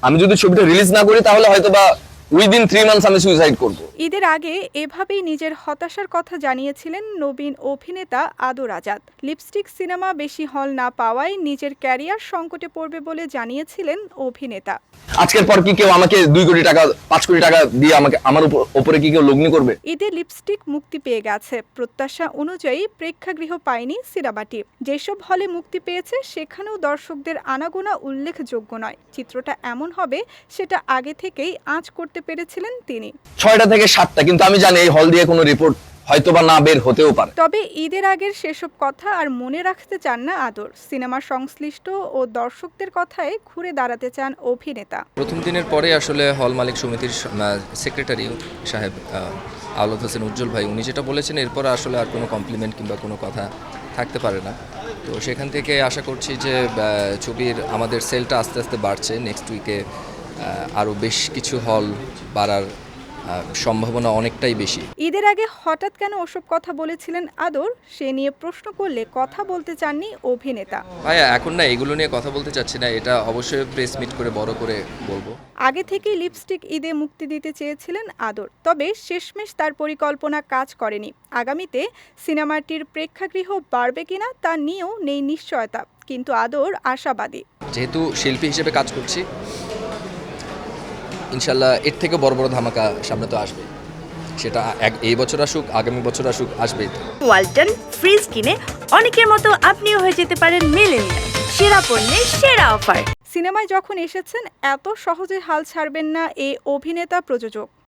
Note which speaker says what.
Speaker 1: আমি যদি ছবিটা রিলিজ না করি তাহলে হয়তো বা উইদিন 3 মান্থস আমি সুইসাইড করব।
Speaker 2: ঈদের আগে এভাবেই নিজের হতাশার কথা জানিয়েছিলেন নবীন অভিনেতা আদর আজাদ। লিপস্টিক সিনেমা বেশি হল না পাওয়ায় নিজের ক্যারিয়ার সংকটে পড়বে বলে জানিয়েছিলেন অভিনেতা।
Speaker 1: আজকের পর কি কেউ আমাকে 2 কোটি টাকা 5 কোটি টাকা দিয়ে আমাকে আমার উপরে কি কেউ লগ্নি করবে?
Speaker 2: ঈদে লিপস্টিক মুক্তি পেয়ে গেছে। প্রত্যাশা অনুযায়ী প্রেক্ষাগৃহ পায়নি সিনেমাটি। যেসব হলে মুক্তি পেয়েছে সেখানেও দর্শকদের আনাগোনা উল্লেখযোগ্য নয়। চিত্রটা এমন হবে সেটা আগে থেকেই আঁচ করতে পেরেছিলেন তিনি।
Speaker 1: 6টা থেকে 7টা, কিন্তু আমি জানি এই হল দিয়ে কোনো রিপোর্ট হয়তোবা না বের হতেও পারে।
Speaker 2: তবে ঈদের আগের সেসব কথা আর মনে রাখতে চান না আদর। সিনেমার সংশ্লিষ্ট ও দর্শকদের কথায় ঘুরে দাঁড়াতে চান অভিনেতা।
Speaker 3: প্রথম দিনের পরে আসলে হল মালিক সমিতির সেক্রেটারি সাহেব আওলাদ হোসেন উজ্জ্বল ভাই উনি যেটা বলেছেন এরপর আসলে আর কোনো কমপ্লিমেন্ট কিংবা কোনো কথা থাকতে পারে না। তো সেখান থেকে আশা করছি যে ছবির আমাদের সেলটা আস্তে আস্তে বাড়ছে। নেক্সট উইকে আরও বেশ কিছু হল বাড়ার সম্ভাবনা অনেকটাই বেশি।
Speaker 2: ঈদের আগে হঠাৎ কেন ওসব কথা বলেছিলেন আদর, সে নিয়ে প্রশ্ন করলে কথা বলতে চাননি অভিনেতা।
Speaker 3: ভাইয়া এখন না এগুলো নিয়ে কথা বলতে চাচ্ছি না, এটা অবশ্যই প্রেস মিট করে বড় করে বলবো।
Speaker 2: আগে থেকেই লিপস্টিক ঈদে মুক্তি দিতে চেয়েছিলেন আদর, তবে শেষমেশ তার পরিকল্পনা কাজ করেনি। আগামীতে সিনেমাটির প্রেক্ষাগৃহ বাড়বে কিনা তা নিয়েও নেই নিশ্চয়তা, কিন্তু আদর আশাবাদী।
Speaker 3: যেহেতু শিল্পী হিসেবে কাজ করছি, ইনশাল্লাহ এর থেকে বড় বড় ধামাকা সামনে তো আসবে। সেটা এই বছর আসুক, আগামী বছর আসুক, আসবেই তো।
Speaker 4: ওয়ালটন ফ্রিজ কিনে অনেকের মতো আপনিও হয়ে যেতে পারেন মিলেনিয়াল। সেরা পণ্যের সেরা অফার।
Speaker 2: সিনেমায় যখন এসেছেন এত সহজে হাল ছাড়বেন না এই অভিনেতা প্রযোজক।